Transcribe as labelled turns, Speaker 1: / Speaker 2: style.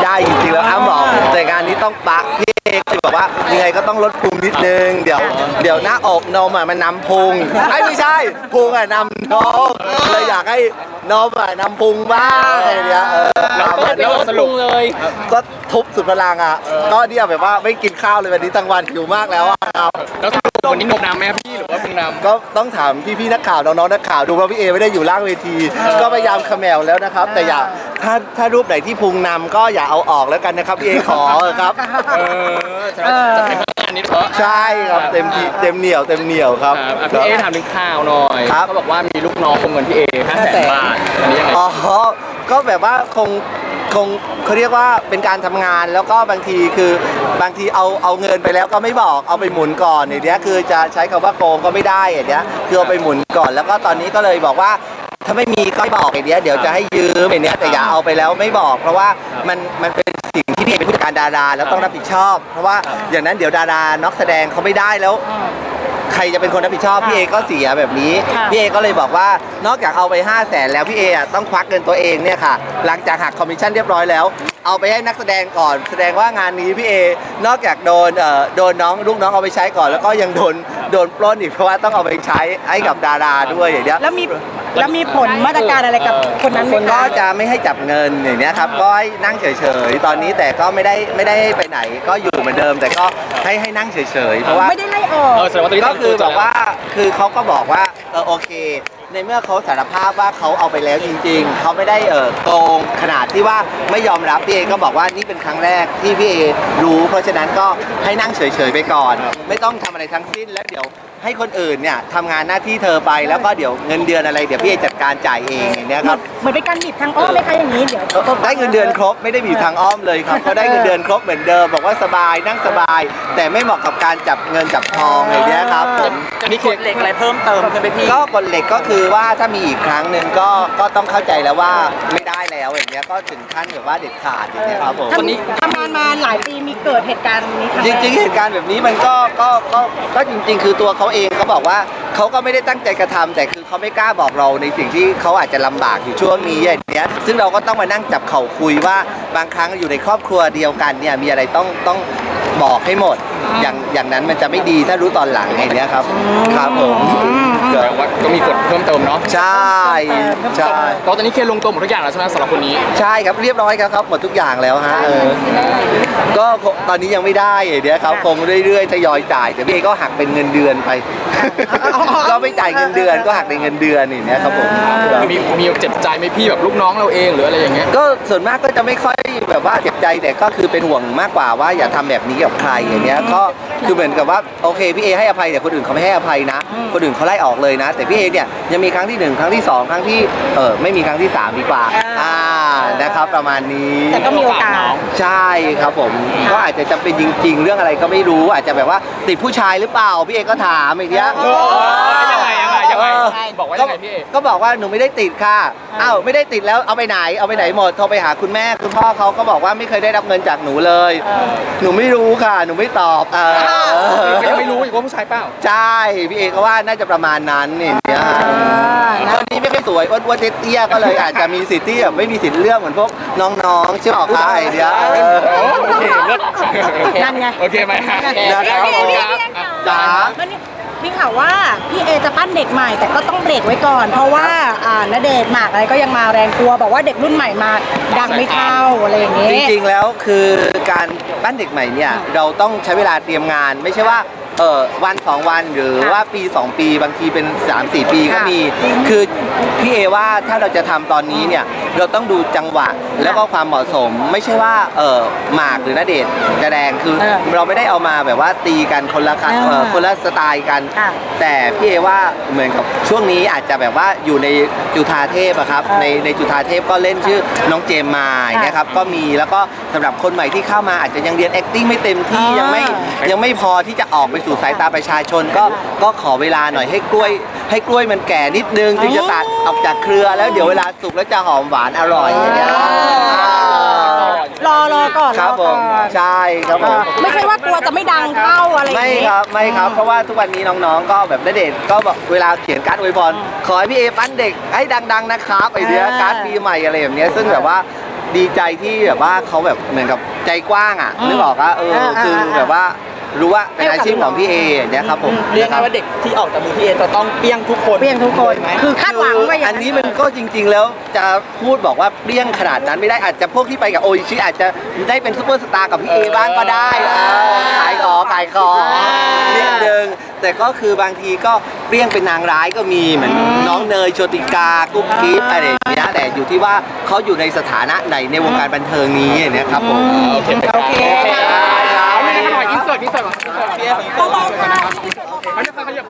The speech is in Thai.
Speaker 1: ได้จริงๆแล้วอ้ำบอกแต่งานนี้ต้องปะพี่เอคือบอกว่ายังไงก็ต้องลดพุงนิดนึงเดี๋ยวหน้าอกนมมันนำพุงไม่ใช่พุงนำนมเลยอยากให้นมนำพุงบ้างอะไรเนี้ย
Speaker 2: แล้วสรุปเลย
Speaker 1: ก็ทุบสุดพลังก็เนี่ยแบบว่าไม่กินข้าวเลยวันนี้ทั้งวันหิวมากแล้วครับ
Speaker 2: แล้วสรุปวันนี้นมน้ำไหมครับพี่หรือว่าพุงน้ำ
Speaker 1: ก็ต้องถามพี่ๆนักข่าวน้องๆนักข่าวดูว่าพี่เอไม่ได้อยู่ล่างเวทีก็พยายามเขมวแล้วนะครับแต่อย่าถ้ารูปไหนที่พุงนำก็อย่าเอาออกแล้วกันนะครับพี่เอขอครับ
Speaker 2: จะเป็นงานนี้เพราะ
Speaker 1: ใช่ครับเต็มที่เต็มเหนียวครับ
Speaker 2: พี่เอถามถึงข่าวหน่อยเขาบอกว่ามีลูกน้องคงเงินพี่เอ500,000 บาทอันนี้ยังไง
Speaker 1: ก็แบบว่าคงเขาเรียกว่าเป็นการทำงานแล้วก็บางทีเอาเงินไปแล้วก็ไม่บอกเอาไปหมุนก่อนอย่างเนี้ยคือจะใช้คำว่าโกงก็ไม่ได้อย่างเนี้ยคือเอาไปหมุนก่อนแล้วก็ตอนนี้ก็เลยบอกว่าถ้าไม่มีก็ไม่บอกอย่างเนี้ยเดี๋ยวจะให้ยืมอย่างเนี้ยแต่อย่าเอาไปแล้วไม่บอกเพราะว่ามันเป็นสิ่งที่พี่เป็นผู้จัดการดาราแล้วต้องรับผิดชอบเพราะว่าอย่างนั้นเดี๋ยวดารานักแสดงเขาไม่ได้แล้วใครจะเป็นคนรับผิดชอบพี่เอก็เสียแบบนี้พี่เอก็เลยบอกว่านอกจากเอาไป500,000แล้วพี่เอต้องควักเงินตัวเองเนี่ยค่ะหลังจากหักคอมมิชชั่นเรียบร้อยแล้วเอาไปให้นักแสดงก่อนแสดงว่างานนี้พี่เอนอกจากโดนลูกน้องเอาไปใช้ก่อนแล้วก็ยังโดนปล้นอีกเพราะว่าต้องเอาไปใช้ให้กับดาราด้วยอย่างเงี้ย
Speaker 3: แล้วมีผลมาตรการอะไรกับคนนั้นไหม
Speaker 1: ก็จะไม่ให้จับเงินอย่างเงี้ยครับก็ให้นั่งเฉยๆตอนนี้แต่ก็ไม่ได้ไปไหนก็อยู่เหมือนเดิมแต่ก็ให้นั่งเฉยๆเพราะว่า
Speaker 3: ไม่ได้ไล่ออก
Speaker 1: ก็คือแบบว่าคือเขาก็บอกว่าโอเคในเมื่อเขาสารภาพว่าเขาเอาไปแล้วจริงๆเขาไม่ได้โกงขนาดที่ว่าไม่ยอมรับพี่เอก็บอกว่านี่เป็นครั้งแรกที่พี่เอรู้เพราะฉะนั้นก็ให้นั่งเฉยๆไปก่อนไม่ต้องทำอะไรทั้งสิ้นแล้วเดี๋ยวให้คนอื่นเนี่ยทำงานหน้าที่เธอไปแล้วก็เดี๋ยวเงินเดือนอะไรเดี๋ยวพี่เอจัดการจ่ายเองอย่างเนี้ยครับ
Speaker 3: เหมือนเป็นการบีบทางอ้อมไหมคะอย่างนี้เดี๋ยว
Speaker 1: ได้เงินเดือนครบไม่ได้บีบทางอ้อมเลยครับก็ได้เงินเดือนครบเหมือนเดิมบอกว่าสบายนั่งสบายแต่ไม่เหมาะกับการจับเงินจับทองอย่างเนี้ยครับผม
Speaker 2: มีกฎเหล็กอะไรเพิ่มเติมใช่ไหมพี่
Speaker 1: ก็กฎเหล็กก็คือว่าถ้ามีอีกครั้งหนึ่งก็ต้องเข้าใจแล้วว่าไม่ได้แล้วอย่างเงี้ยก็ถึงขั้นแบบว่าเด็ดขาดอย่างเงี้ยครับผม
Speaker 3: ทำงานมาหลายปีมีเกิดเหตุการณ์นี้
Speaker 1: จริงๆเหตุการณ์แบบนี้มันก็จริงๆคือตัวเขาเองเขาบอกว่าเขาก็ไม่ได้ตั้งใจกระทำแต่คือเขาไม่กล้าบอกเราในสิ่งที่เขาอาจจะลำบากอยู่ช่วงนี้อย่างเงี้ยซึ่งเราก็ต้องมานั่งจับเข่าคุยว่าบางครั้งอยู่ในครอบครัวเดียวกันเนี่ยมีอะไรต้องบอกให้หมดอย่างนั้นมันจะไม่ดีถ้ารู้ตอนหลังไงเนี้ยครับครับผม
Speaker 2: แต่ว่าก็มีกฎเพิ่มเติมเนาะ
Speaker 1: ใช่
Speaker 2: ตอนนี้เคลียร์ลงตัวหมดทุกอย่างแล้วใช่ไหมสำหรับคนนี้
Speaker 1: ใช่ครับเรียบร้อยครับหมดทุกอย่างแล้วฮะก็ตอนนี้ยังไม่ได้เดี๋ยวครับคงเรื่อยๆทยอยจ่ายแต่พี่เอก็หักเป็นเงินเดือนไปก็ไม่จ่ายเงินเดือนก็หักในเงินเดือนอย่างเนี้ยครับผม
Speaker 2: มีเจ็บใจไหมพี่แบบลูกน้องเราเองหรืออะไรอย่างเงี้ย
Speaker 1: ก็ส่วนมากก็จะไม่ค่อยแบบว่าเจ็บใจแต่ก็คือเป็นห่วงมากกว่าว่าอย่าทำแบบนี้กับใครอย่างเงี้ยก็คือเหมือนกับว่าโอเคพี่เอให้อภัยแต่คนอื่นเขาไม่ให้อภัยนะคนอื่นเขาไล่ออกเลยนะแต่พี่เอเนี่ยยังมีครั้งที่1ครั้งที่2ครั้งที่ไม่มีครั้งที่3ดีกว่านะครับประมาณนี้
Speaker 3: แต่ก็มีโอกาส
Speaker 1: ใช่ครับผมก็อาจจะจำเป็นจริงๆเรื่องอะไรก็ไม่รู้อาจจะแบบว่าติดผู้ชายหรือเปล่าพี่เอก็ถามอย่างเงี้ย
Speaker 2: ยังไงบอกว่ายังไงพี่เอ
Speaker 1: ก็บอกว่าหนูไม่ได้ติดค่ะอ้าวไม่ได้ติดแล้วเอาไปไหนหมดโทรไปหาคุณแม่คุณพ่อเขาก็บอกว่าไม่เคยได้รับเงินจากหนูเลยหนูไม่รู้ค่ะหนูไม่ตอบ
Speaker 2: ยังไม่รู้อีกว่าผู้ชายเปล่า
Speaker 1: ใช่พี่เอก็ว่าน่าจะประมาณนั้นเนี่ยตอนนี้ไม่ค่อยสวยอ้วนๆเตี้ยๆก็เลยอาจจะมีสิทธิ์ที่แบบไม่มีสิทธิ์เลือกเหมือนพวกน้องๆใช่ไหมคะไอเดีย
Speaker 2: โอเค
Speaker 3: นั่นไง
Speaker 2: โอเคไหม
Speaker 1: จ้า
Speaker 3: มีข่าวว่าพี่เอจะปั้นเด็กใหม่แต่ก็ต้องเบรกไว้ก่อนเพราะว่าณเดชน์หมากอะไรก็ยังมาแรงกลัวบอกว่าเด็กรุ่นใหม่มาดังไม่เท่าอะไรอย่างเงี้ย
Speaker 1: จริงๆแล้วคือการปั้นเด็กใหม่เนี่ยเราต้องใช้เวลาเตรียมงานไม่ใช่ว่าวัน2วันหรือว่าปี2ปีบางทีเป็น3-4 ปีก็มีคือพี่เอว่าถ้าเราจะทำตอนนี้เนี่ยเราต้องดูจังหวะแล้วก็ความเหมาะสมไม่ใช่ว่าหมากหรือณเดชน์จะแรงคือเราไม่ได้เอามาแบบว่าตีกันคนละสไตล์กันแต่พี่เอว่าเหมือนกับช่วงนี้อาจจะแบบว่าอยู่ในจุฑาเทพครับในจุฑาเทพก็เล่นชื่อน้องเจมมานะครับก็มีแล้วก็สำหรับคนใหม่ที่เข้ามาอาจจะยังเรียน acting ไม่เต็มที่ยังไม่พอที่จะออกไปสู่สายตาประชาชนก็ขอเวลาหน่อยให้กล้วยมันแก่นิดนึงถึงจะตัดออกจากเครือแล้วเดี๋ยวเวลาสุกแล้วจะหอมหวานอร่อยอย่างเงี้ย
Speaker 3: รอก่อน
Speaker 1: ครับผมใช่ครับผม
Speaker 3: ไม่ใช่ว่ากลัวจะไม่ดังเท่าอะไรอย่าง
Speaker 1: นี้ไม่ครับเพราะว่าทุกวันนี้น้องๆก็แบบณเดชน์ก็บอกเวลาเขียนการ์ดอวยพรขอให้พี่เอปั้นเด็กให้ดังๆนะครับไอเดียการ์ดปีใหม่อะไรแบบนี้ซึ่งแบบว่าดีใจที่แบบว่าเขาแบบเหมือนกับใจกว้างอ่ะนึกออกว่าคือแบบว่ารู้ว่าเป็นอาชีพของพี่เอเนี่ยครับผม
Speaker 2: เรียกได้ว่าเด็กที่ออกจากมือพี่เอจะต้องเปี้ยงทุกคน
Speaker 3: เปรี้ยงทุกคน
Speaker 2: ไหม
Speaker 3: คือคาดหวังไว้อย่าง
Speaker 1: อันนี้มันก็จริง ๆ แล้วจะพูดบอกว่าเปรี้ยงขนาดนั้นไม่ได้อาจจะพวกที่ไปกับโออิชิอาจจะได้เป็นซุปเปอร์สตาร์กับพี่เอบ้างก็ได้ขายของนิดนึงแต่ก็คือบางทีก็เปรี้ยงเป็นนางร้ายก็มีเหมือนน้องเนยโชติกากุ๊บกิ๊บอะไรอย่างเงี้ยแต่อยู่ที่ว่าเขาอยู่ในสถานะไหนในวงการบันเทิงนี้เนี่ยครับผม
Speaker 2: โอเค
Speaker 3: โอเค
Speaker 2: ครับ
Speaker 3: ค่ะ
Speaker 2: ไม่ได้ขนาดอินเสิร์ตก่อน
Speaker 3: ขอบคุณค่ะ
Speaker 2: ไม่ได้ขยับ